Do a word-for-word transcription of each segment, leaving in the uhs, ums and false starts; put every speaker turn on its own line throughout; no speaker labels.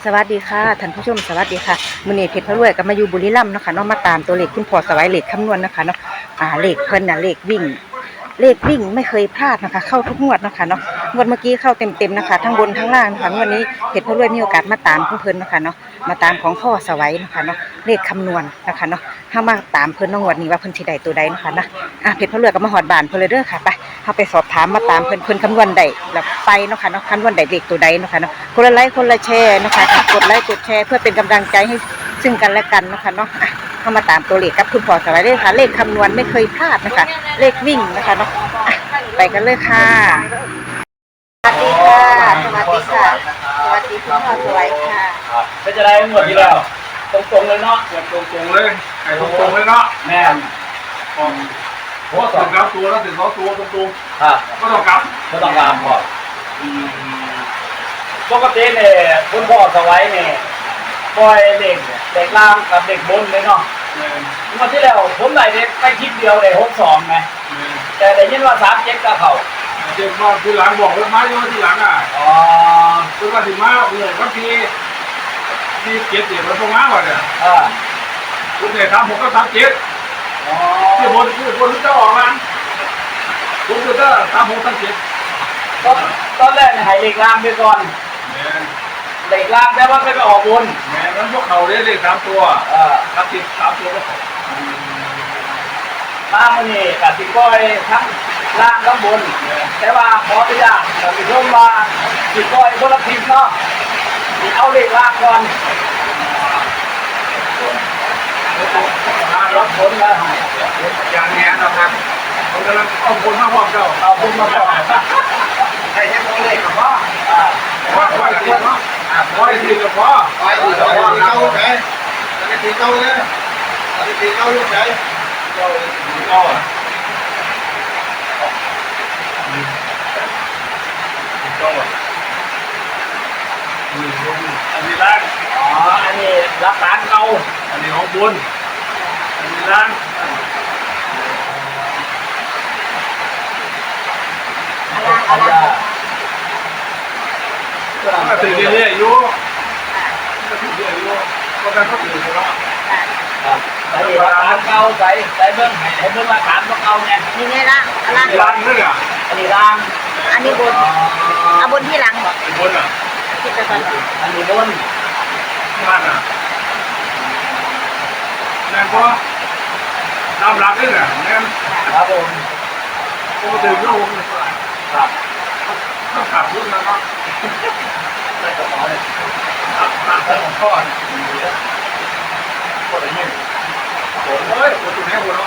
สวัสดีค่ะท่านผู้ชมสวัสดีค่ะมื้อนี้เพชรพระรวยก็มาอยู่บุรีรัมย์เนาะค่ะเนาะมาตามตัวเลขคุณพ่อสวัยเลขคำนวณนะคะเนาะอ่าเลขเพิ่นน่ะเลขวิ่งเลขวิ่งไม่เคยพลาดนะคะเข้าทุกงวดนะคะเนาะงวดเมื่อกี้เข้าเต็มๆนะคะทั้งบนทั้งล่างนะคะงวดนี้เพชรพระรวยมีโอกาสมาตามของเพิ่นนะคะเนาะมาตามของพ่อสวัยนะคะเนาะเลขคำนวณนะคะเนาะถ้ามาตามเพิ่นในงวดนี้ว่าเพิ่นสิได้ตัวใดนะคะนะอ่ะเพชรพระรวยก็มาฮอดบ้านเพิ่นเลยเด้อค่ะไปเฮาไปสอบถามมาตามเพิ่นเพิ่นคำนวณได้แล้วไปเนาะค่ะเนาะคำนวณได้เลขตัวใดเนาะค่ะเนาะคนละไลค์คนละแชร์นะคะกดไลค์กดแชร์เพื่อเป็นกำลังใจให้ซึ่งกันและกันเนาะค่ะเนาะอ่ะเข้ามาตามตัวเลขกับคุณพ่อสวัยเลยค่ะเลขคำนวณไม่เคยพลาดนะคะเลขวิ่งนะคะเนาะอ่ะไปกันเลยค่ะสวัสดีค่ะสวัสดีค่ะสวัสดีคุณพ่อสวัยค่ะ
ก็จะได้หมดที่แล้วตรงๆเลยเนาะ
ตรงตรงเลยไอ้ตรงตรงเลยเนาะ
แม่น
โอ้ถึงแล้วตัวแล้วถึงสองตัวตรงตรง
ครับ
ก็ต้องกลับ
ก็ต้องการก่อนปกติเนี่ยคุณพ่อสวัยเนี่ยปล่อยเด็กเด็กล่างกับเด็กบนเลยเนาะเมื่อที่แล้วผมได้เด็กไปคลิปเดียวเลยหกสองไหมแต่ได้ยินว่าสามเจ็ดก็เขา
เจ็บมาทีหลังบอกว่าไม้ยังทีหลังอ่ะ
อ๋อ
คือว่าถึงมาเหนื่อยบางทีที่เจ็บเจ็บมันตรงมาว่ะเนี่ย
อ่า
คุณเนี่ยทำผมก็ทำเจ็บ
อ๋อ
ที่บนที่บนที่เจ้าออกมาคุณคือก็ทำผมทำเจ็บ
ตอนตอนแรกเนี่ยให้เล็กล่างไปก่อนเล็กล่างแต่ว่าไม่ไปออกบน
แหมมันพวกเขาได้เลขสามตัว
อ่า
ครับติดสามตัวก็
มามันนี่กับสิก้อยทั้งล่างทั้งบนแต่ว่าขออนุญาตกับสิร่มมาสิก้อยคนละทีมเนาะเอาเล็กล่างก่อนรับผลแล้ว
อย่างนี้นะครับผมกำลังเอาคนมาพร้อมเจ้า
เอาผลมาก่อน
ใครจะโมเลกับพ่อว่าว่าอะไรเนาะว่าทีกับพ่อว่าทีกับพ่อเก้าไหนแล้วทีเก้าเนี่ยแล้วทีเก้าลูกไหนเก้าเก้าอ่ะเก้าอ่ะอันนี้ล่าง
อ๋ออันนี้รักษาเก่า
อันนี้ของบุญอันนี้ล่าง
อะไร
ก็ตื่นเรื่อยๆอยู่ก็ตื่นเรื่อยๆอยู่ก็การเขาตื่นแล้ว
ครับใส่รักษาเก่าใส่ใส่เบิ้งให้เบิ้งรักษาเก่าเนี่ย
นี่ไงล่ะล่าง
ล่างนี่อ่ะ
อันนี้ล่าง
อันนี้บนเอาบนที่หลังเหร
อบนอ่ะ
ที่จะตอน
อันนี้บน
ล่างอ่ะแม่ก็ตามหลักนี่แหละแม่
ครับผม
ก็ตื่นแล้ว
ครับ
ต้องขับรถแล้วก็
ได้กระเป๋าเลย
ขับขับไปของพ่อก็ได้ยินโอ้ยโอ้ยตัวนี้หัวเนาะ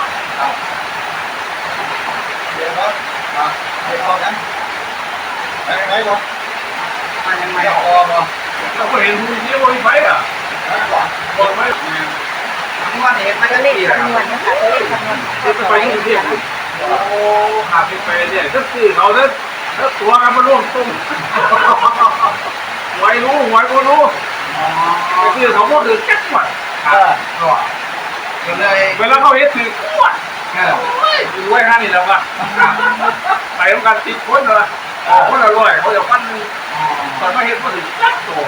เดี๋ยวก็มาให้พอกันไปไหนวะ
มายังไง
พอมาเราก็เห็นผู้นี้ว่าไฟอ่ะบอกไหม
ทั้งวันเห็นมันก็เลข
คำนวณนะคะตัวเลขคำนวณ
คือไปที่เดียวโอ้หาไปเนี่ยก็คือเขาเนี่ยถ้าตัวกันมาร่วมตุ้มหวยรู้หวยก็รู้ก็คือเขาก็คือแก๊สหมดเออก็เลยเวลาเขาเห็นถือขวดเออดูไว้ห้านี่แล้วว่ะไปทำการติดคนเลยคนอร่อยเขาจะปั้นตอนมาเห็นก็ถือแก๊สโต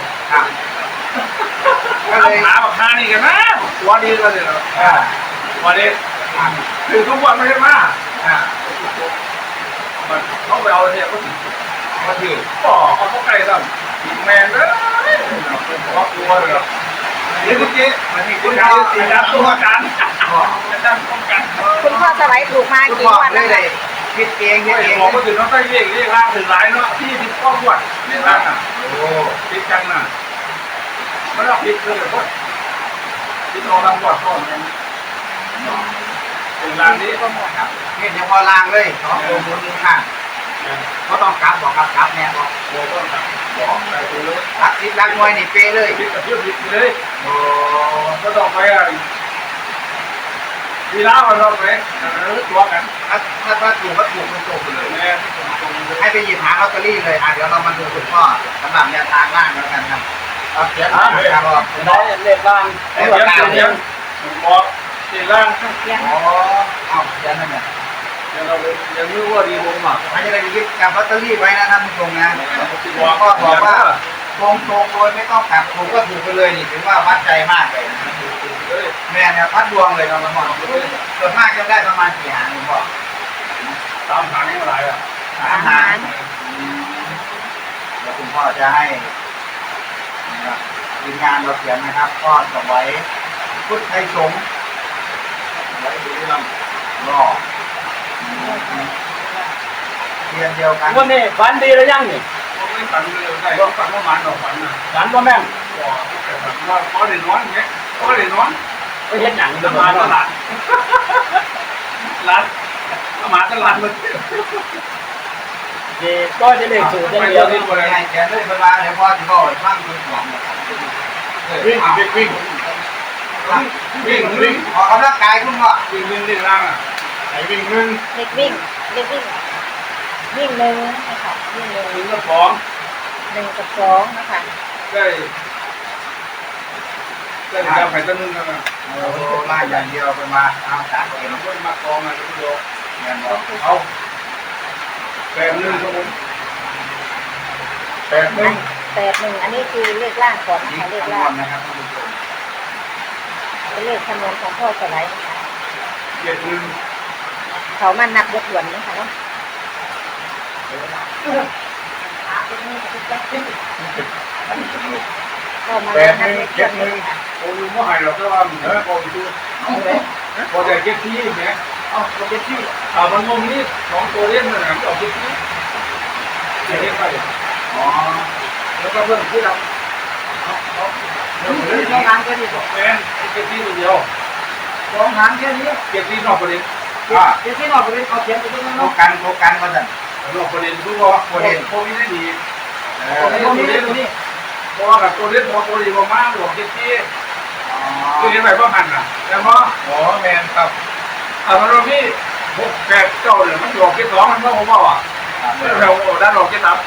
ก็เลยหาแบบห้านี่กันนะตัวดีก็เลยอ่าวันนี้คือทุกวันไม่ใช่มาอ่ามันเขาไปเอาเนี่ยก็ถือมาถือป่อเขาเขาไกลสั่งแมนเลยเขากลัวเลยนี่เมื่อกี้มันมีคุณพ่อสีดำตัวกันจะดำป้องกัน
คุณพ่อสวัยถูกมากี่วันแล้วเลย
คิดเองคิดเองบอกว่าถึงน้องได้เรียกเรียกล่างถึงหลายเนาะที่ที่ข้อวัดเรียกล่างอ่ะโอ้คิดกันน่ะไม่ต้องคิดเลยเพราะคิดเอาล่างวัดก่อนถึงล่างนี้ก็หมดครับ
นี่เดี๋ยวพอล่างเลยสองตัวบนหนึ่งข้างก็ต้องกลับบอกกลับกลับแน่บอก
โอ้ต้องกลับบอกไปเลย
รักสิบรักมวยนี่เป้เลย
คิดกับเพื่อนคิดเลยโอ้ก็ต้องไปอ่ะดีแล้วเราไปตัวกัน
ถ้าถ้าถ้าถูกก็ถูกตรงๆเลยให้ไปหยิบหาลอตเตอรี่เลยอ่ะเดี๋ยวเรามาดูคุณพ่อสำหรับแนวทางล่างแล้วกันครับเอาเขียนครับบอก
น้
อยเลขล่าง
เลขล่างเขียนบอกเลขล่าง
อ๋อเอาเขียนนั่นแหละ
ยังเรายังไม่ว่าดีลงมา
อันนี้เราจะยึดกับลอตเตอรี่ไว้นะท่านผู้ชมนะพ่อบอกว่า
ตรงตรงโดยไม่ต้องกลับถูกก็ถูกไปเลยนี่ถือว่าวัดใจมากเลยแม่เนี่ยวัดดวงเลยเราละมอนส่วนมากจะได้ประมาณกี่หางคุณพ่อ
ตามหางเท่าไหร่อ่ะ
สามหางแล้วคุณพ่อจะให้ทีมงานเราเขียนนะครับก็จะไว้พุทธไทยสงฆ์ไว้ดูลำรอเรียนเดียวกัน
วันนี้ฝันดีหรือยังนี่
ไม่ฝันเลยได้ก็ฝันว่ามันออกฝันนะ
ฝันบ่แม่น
แต่ฝันว่าพอได้นอนเงี้ยพอได้นอน
ไปเฮ็ดหยัง
จะ
จะ
มา
มา
ต
ตลา
ลา
ด
ดร้านมาตลาดเลย
นี่ก็จะเลขสูตรอย่าง
ไป
เดี
เดี
ย
ยว ว
นี่
ที่คน
ให้แกเลยเวลาเดี๋ยวพ่อจะบอกฟังดูหลัง
วิ่งวิ่งวิ่งวิ่งวิ่ง
ออกกำลังกายคุณพ่อ
วิ่งวิ่งวิ่งล่างอ่ะไอ้วิ่งหนึ่ง
เด็กวิ่งเด็กวิ่งวิ่งหนึ่งนะคะวิ่งหนึ่ง
วิ่งก็สอง
หนึ่งกับสองนะคะ
ได้ได้จะไปตั้งนึงกันนะ
โอ้ล่าอย่างเดียวไปมาเอาสามเกม
คนมากองอ่ะทุกโย
เงินบอก
เอาแปดหนึ่งครับผมแปดหนึ่ง
แปดหนึ่งอันนี้คือเลขล่างก่อนนะ
นี่
คะเลข
คำน
ล่าว ง
ณนะครับท่านผู้ชม
เป็นเลขคำนวณของพ่อสไลด์นะคะ
เจ็ดหนึ่ง
เขามานับยกหวนนะคะเนาะก็มา
แปดห
นับ
นึ่ง
ยกหว
เจ็ด
น
หนึ่งโอ้ยไม่หายหรอกแต่ว่าเออพอไปดูพอใจเจ็ดที่เนี่ยเอาเจ็ดที่อ่ามันงงนี่สองตัวเล่นมันหนังออกเจ็ดที่เจ็ดที่ไป
อ๋อ
แล้วก็เรื่องที่เราเอาเอาเรื่องเรื่อง
สองหางแค่นี้
แมนเจ็ดที่ตัวเดียว
สองหางแค่นี้
เจ็ดที่นอกประเด็น
อ่า
เดี๋ยวที่นอกไปเป็นเอาเขียนไปตรงนั้น
โค
เนาะ
กันโคกันมาสั่น
นอกประเด็นคือว่าประเด็นพวกนี้ได้ดี
เอ
พวก
อ
นี้ตัวเล่นตัวนี้เพราะว่ากับตัวเล่นพอตัวดีมากหลวงเจ็ดที่คือยังไงพ่อพันอ่ะแล้วพอ
อ๋อแมนครับ
อ่ามันเราพี่หกแปดเก้าเลยมันหลอกเจ็ดสองมันพ่อผมบอกอ่ะเราด้านหลอกเจ็ดสาม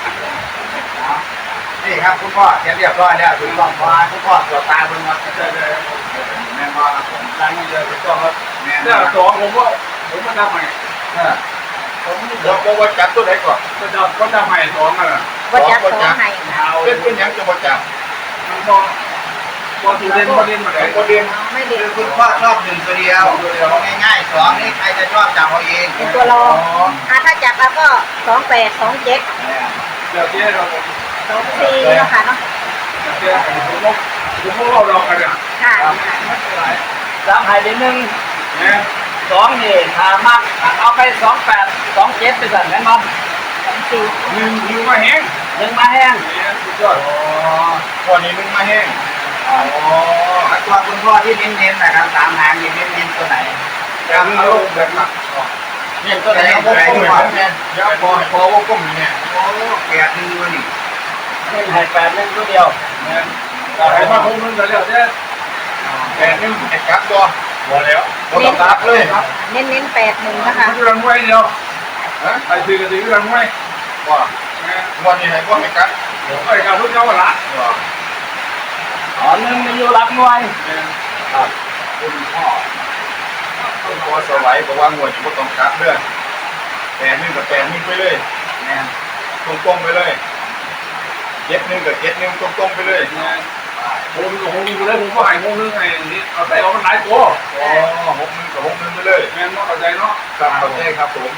นี่ครับคุณพ่อเขียนเรียบร้อยแล้วถูกต้องพอคุณพ่อตรวจตาเพิ่งมา
ใช่ใช่
แม่พ่อครับผมล้างมือเลยถูกต้องครับแม่
เนี่ยสองผมก็ผมก็ทำใหม่
เออผมบอกบอกว่าจับตัวไหนก่อน
ก็จะก็ทำใหม่สองอ่ะ
ว่าจับสองให้ค่ะ
เป็นเป็นยังจะมาจับ
มันพอพอตัวเล่นพอเล่นมาไหน
ประเด็น
ไม่เด็
คื
ก
อคุณพ่อชอบหนึ่งตัวเดียวง่ายๆสองนี่ใครจะชอบจับเอาเอง
เป็นตัวรองอ่ะถ้าจับแล้วก็สองแปดสองเจ็ด
เดี๋ยวเจ๊เรา
สองสี่เนาะค่ะเนาะ
เจ๊ผมก็ผมก็เราเรากันอ่ะ
ค่ะ
สามหายไปหนึ่ง
เนี่ย
สองนี่หามากเอาไปสองแปดสองเจ็ดไปสั่นแม่นบ่
สองสี่
หนึ่งหนึ่งมาแห้ง
หนึ่งมาแห้ง
เนี่ยสุดยอด
อ๋อวันนี้มึงมาแห้งอ๋อตัวคุณพ่อที่เน้นๆนะครับสามหางนี่เน้นๆตัวไหน
แต่เรื่องเราแบบหนัก
เน้นตัวไหนเอาวงกลมก่อนเนี่ยเดี๋ยวพอพอวงกลมเนี่ยโอ้แปดหนึ่งตัวนี่
หนึ่งให้แปดหนึ่งตัวเดียว
เนี่ยแต่มาคงนึงกันแล้วเจ๊
แปดหนึ่งไอ้กั๊บตัว
พอแล้ว
บ่ต้องกั๊บเลย
เน้นเน้นแปดหนึ่งนะคะ
มันรังไว้เดียวไปซื้อกันซื้อรังไว้
ว่าวันนี้ให้พ่อให้กั๊บ
ไอ้การทุกเจ้าละ
อ๋อหนึ่งมีอยู่หลักหน่วย
ครับคุณพ่อคุณพ่อสวัยบอกว่างวดอยู่บ่ต้องกั๊บเด้อแปดหนึ่งกับแปดหนึ่งไปเลยแม่นตรงๆไปเลยเจ็ดหนึ่งกับเจ็ดหนึ่งตรงๆไปเลย
ผมผมมีกูเลยผมก็หายงงนึงไงนี่เอาใส่เอามันหลายตัว
อ๋อหกหนึ่งกับหกหนึ่งไปเลย
แม่นเนาะเข้าใจเนาะ
ครับเข้าใจครับผม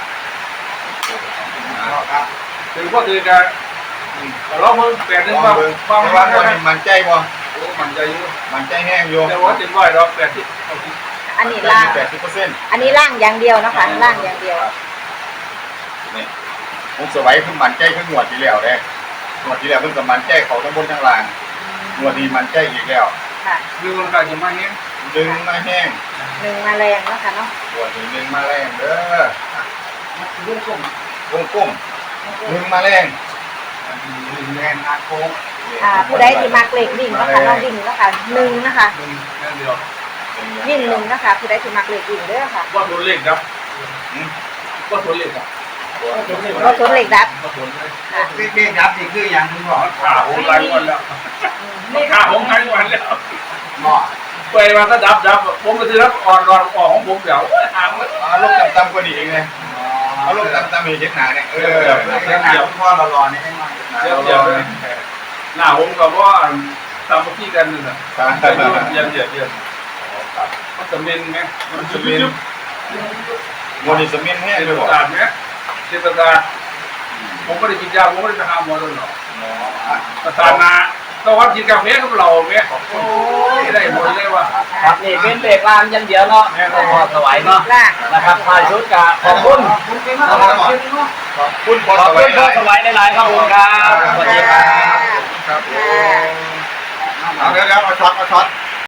ครับ
ถึงก็คือการเราเพิ่งแปดนึง
ฟั
ว่าง
เบิ่ง
ฟัง
แต่
ว่า
ว่าวันนี้มันใจบ่
โอ้มันใจอยู่
มันใจแห้งอยู่
แต่ว่าถึงว่าเราแปดที่
อันนี้ล่าง
แปดสิบเปอร์เซ็นต์
อันนี้ล่างอย่างเดียวนะคะล่างอย่างเดียว
นี่ผมสวัยเพิ่งมันใจเพิ่งหวดที่แล้วเด้หวดที่แล้วเพิ่งกับมันใจเขาทั้งบนทั้งล่างหวดนี้มันใจอีกแล้ว
ค่ะ
คือมันกลายจะมาเนี้ย
ดึงมาแห้ง
หนึ่งมาแรงเนาะค่ะเนาะ
หวดนี้ดึงมาแรงเด้อ
วงกลม
วงกลมดึงมาแรงดึงแรงอาโค้ง
อ่าผู้ใดที่มักเลขวิ่งเนาะคะเน้องวิ่งเนาะค่ะหนึ่งนะคะ
หนึ่งนั่นเดียว
วิ่งหนึ่งนะคะผู้ใดที่มักเลขวิ่งเด้อค่ะ
ว่าตัวเล็กครับว่าตัวเล็กครับ
ก็สนเลขดับ
ว่าตัวเล็ก
ค่ะ
เรียกยับนี่คืออย่างคุณบอก
ข้าผมหลายวันแล้วข้าผมหลายวันแล้ว
หม้อ
ไปมาก็ดับดับผมก็จะรับอ่อนรอนออกของผมเดี๋ยวหางมัน
เอาลูกต่ำๆกว่านี้เองไงเอาลูกต่ำๆมีเช็ดหนาเนี่ยเออเช็ดหนาคุณพ่อเรารอนี่ให้มา
เดี๋ยวเดี๋ยวเลย
ค
หน้าผมกับว่าตามที่กันนั่นแหละเยี่ยมเยี่ยมเยี่ยมมันจะเมนไหมมันจะเมน
โมดิสมินแห้ง
เจ
เล
ต
ยบอก
ศาสตร์ไหมเจตศาสตร์ผมไม่ได้กินยาผมไม่ได้ไปหาหมอเลยหรอกประสานนาต้องวัดกินกาแฟกับเราไหมโอ้ยได้หมดเลยว่ะ
ครับนี่เป็นเลขล่างอย่างเดียวเนาะคุณพ่อสวัยเนาะนะครับถ่ายชุดกะขอบคุณนะครับ
ขอบคุณพอ
ขอ
ส
บ
วั
คุ
ย
ณพ่อสวัยหลายๆครับผมครับสวัสดีครับ
ครับเอาเดี๋ยวเอาช็อตเอาช็อต